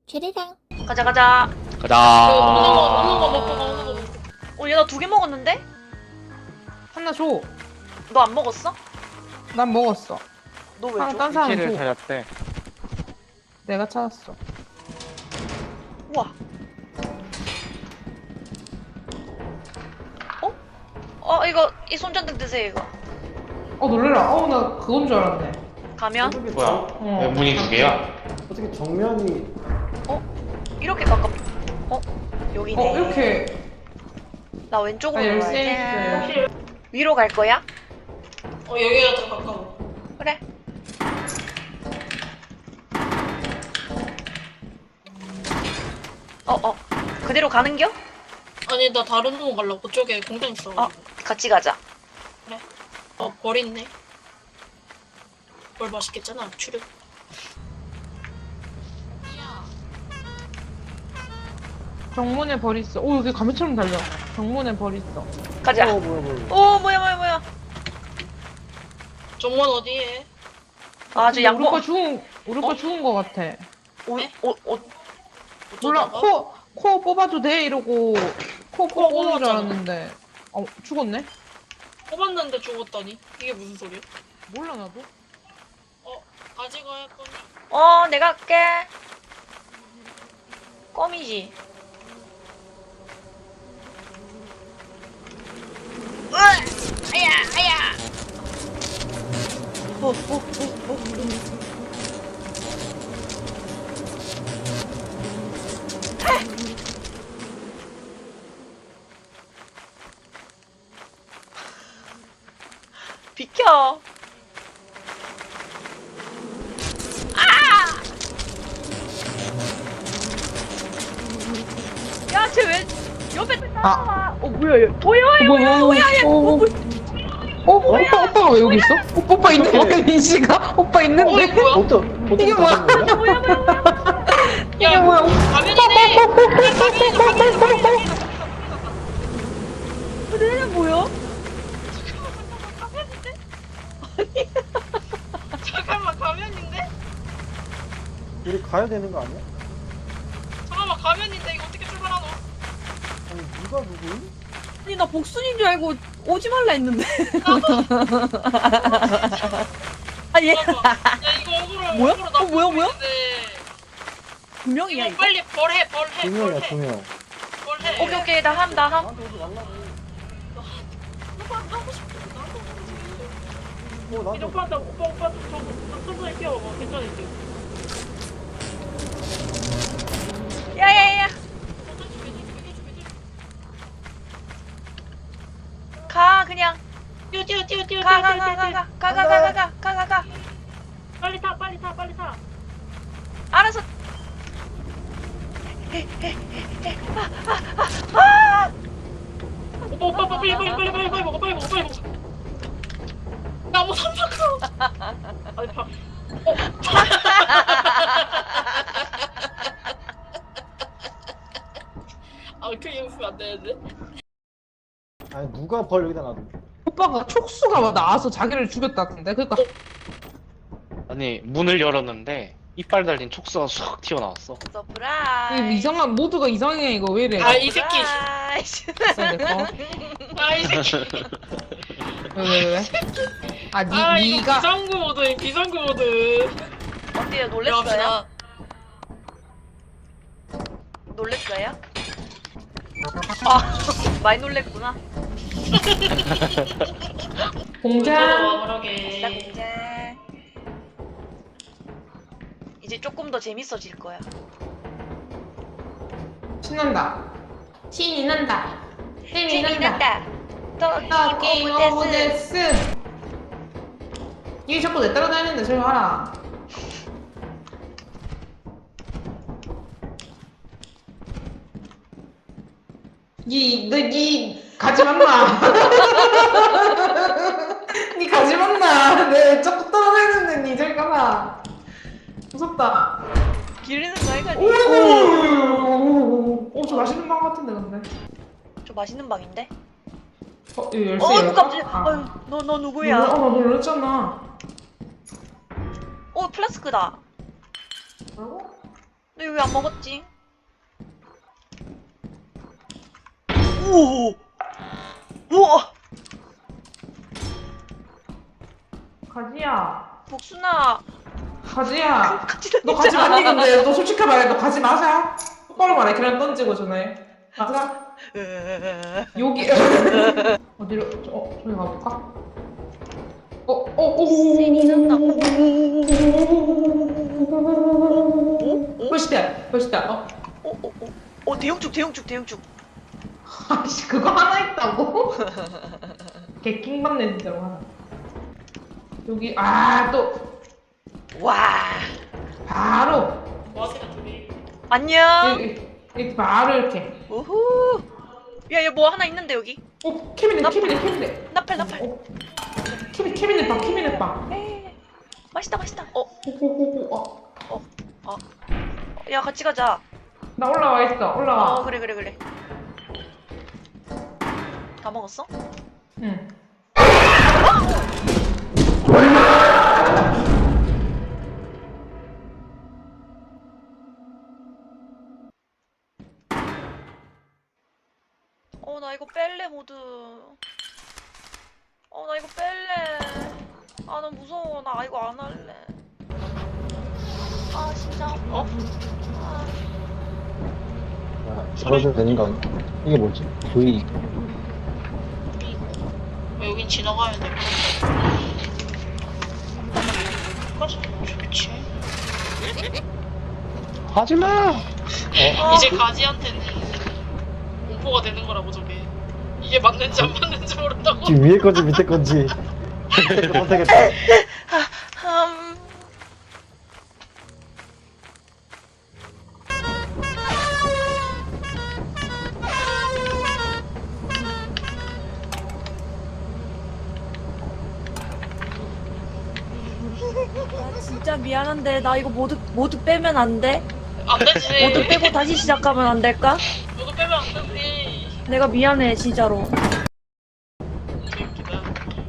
캐리랑 가자 가자. 가자. 오는 거 먹고 가, 오는 거 먹고. 얘 나 2개 먹었는데? 하나 줘. 너 안 먹었어? 난 먹었어. 너 왜 하나 줘? 딴 사람 위치를 줘. 찾았대. 내가 찾았어. 우와. 이거 이 손전등 드세요 이거. 놀래라. 나 그건 줄 알았네. 가면 뭐야? 왜 문이 두 개야? 어떻게 정면이 이렇게 가깝. 여기네. 이렇게. 나 왼쪽으로 아, 가야 열쇠 돼. 있어요. 위로 갈 거야? 여기가 더 가까워. 그래. 그대로 가는겨? 아니, 나 다른 동 가려고. 그쪽에 공장 있어. 같이 가자. 벌 있네. 벌 맛있겠잖아, 추르. 정문에 벌 있어. 여기 가면처럼 달려. 정문에 벌 있어. 가자. 뭐야 뭐야. 정원 어디에? 저 우리 양보. 거 죽은 거 같아. 몰라. 어쩌다가? 코 뽑아도 돼 이러고 코 뽑는 줄 뽑았잖아. 알았는데. 죽었네? 뽑았는데 죽었다니? 이게 무슨 소리야? 몰라 나도. 가지고 할 거니? 내가 할게. 껌이지. 아야. 비켜. 야, 쟤 왜 옆에 따라와? 뭐야, 얘. 오빠가 왜 여기 있어? 오빠 있는 거야, 민씨가? 오빠 있는데? 이거 뭐야? 어떻게 이게 뭐야? 야, 뭐야? 가면이네! 얘네 뭐야? 잠깐만, 가면인데? 우리 가야 되는 거 아니야? 잠깐만, 가면인데? 이거 어떻게 출발하노? 아니 누가 누구임? 아니 나 복순인 줄 알고 오지 말라 했는데 아니 잠깐만. 야, 이거 억울해. 뭐야? 억울해. 나 뭐야? 모르겠는데. 분명이야 이거 이거 빨리 벌해. 두 명이야 두 명. 벌해. 오케이, 나 함. 나한테 오지 말라고. 하고 싶어. 나도. 나도. 오빠, 저 천천히 뛰어봐. 괜찮을게. 야야야. 가, 그냥. 뛰어. 가. 빨리 타. 알았어. 오빠, 빨리 먹어. 나 뭐 삼각형. 아니, 봐. 크게 웃으면 안 되는데? 아니 누가 벌 여기다 놔둬? 오빠가 촉수가 막 나와서 자기를 죽였다던데? 그니까 아니 문을 열었는데 이빨 달린 촉수가 쑥 튀어나왔어. 서프라이즈. 이상한 모두가 이상해. 이거 왜 이래? 이 새끼. 있어야 될 거. 이 새끼. 왜? 이거 니가 비상구 모드. 어때요? 놀랬어요? 놀랬어요? 많이 놀랬구나. 공장. 진짜 공장. 이제 조금 더 재밌어질 거야. 신난다. 신이 난다. 신이 난다. 게임 오브 데스. 이게 자꾸 내 따라다니는데 저리 와라. 니 가지 말마. 니 가지 말마. 내 자꾸 따라다니는데 니 저리 가라. 무섭다. 기르는 거 아이가? 저 맛있는 빵 같은데 근데. 저 맛있는 방인데? 이거 열쇠 열까? 깜짝이야. 아유, 너 누구야? 나 놀랐잖아. 플라스크다. 뭐라고? 너 이거 왜 안 먹었지? 오! 우와! 가지야. 복순아! 가지야. 같이 너 다니자. 가지 말니 근데 너 솔직히 말해. 너 가지 마자. 똑바로 말해. 계란 던지고 전에. 가자. 여기. 어디로? 저기 가볼까? 벌시다. 벌시다. 대용축. 아씨 그거 하나 있다고? 개킹 받네 진짜로 하나. 여기 또 와! 바로 뭐하세요 둘이? 안녕! 여기 바로 이렇게. 우후! 야, 여기 뭐 하나 있는데, 여기? 캐비넷. 나팔. 캐비넷 봐. 에이, 맛있다. 오오오오. 야, 같이 가자. 나 올라와 있어. 올라와. 그래. 다 먹었어? 응. 나 이거 뺄래, 모두. 나 이거 뺄래. 나 무서워. 나 이거 안 할래. 진짜 아파. 잡아주면 되는 거 아니야? 이게 뭐지? V. 여긴 지나가야 돼. 좋지. 하지마! 이제 가지한테는 공포가 되는 거라고 저게. 이게 맞는지 안 맞는지 모른다고. 지금 위에 건지 밑에 건지. 못하겠다. 진짜 미안한데 나 이거 모두 빼면 안 돼? 안 되지. 모두 빼고 다시 시작하면 안 될까? 모두 빼면 안 되지. 내가 미안해 진짜로. 재밌다.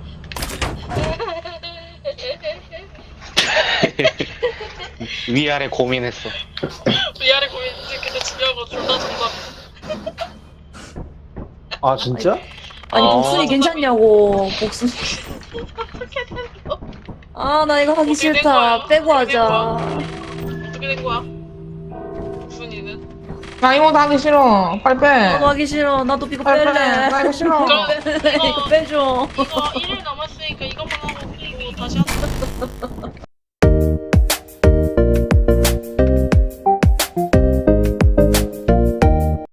위아래 고민했어. 위아래 고민인지 근데 중요한 건 둘 다 정답. 아 진짜? 아니 아. 복순이 괜찮냐고 복순이. 나 이거 하기 어떻게 된 싫다. 거야? 빼고 어떻게 된 하자. 어떻게 된 거야? 순이는? 나 이거 다 하기 싫어. 빨리 빼. 나도 하기 싫어. 나도 이거 빨리 빼. 뺄래. 나 이거 싫어. 그럼 이거 빼줘. 이거 1일 남았으니까 이것만 하고 그리고 다시 하자.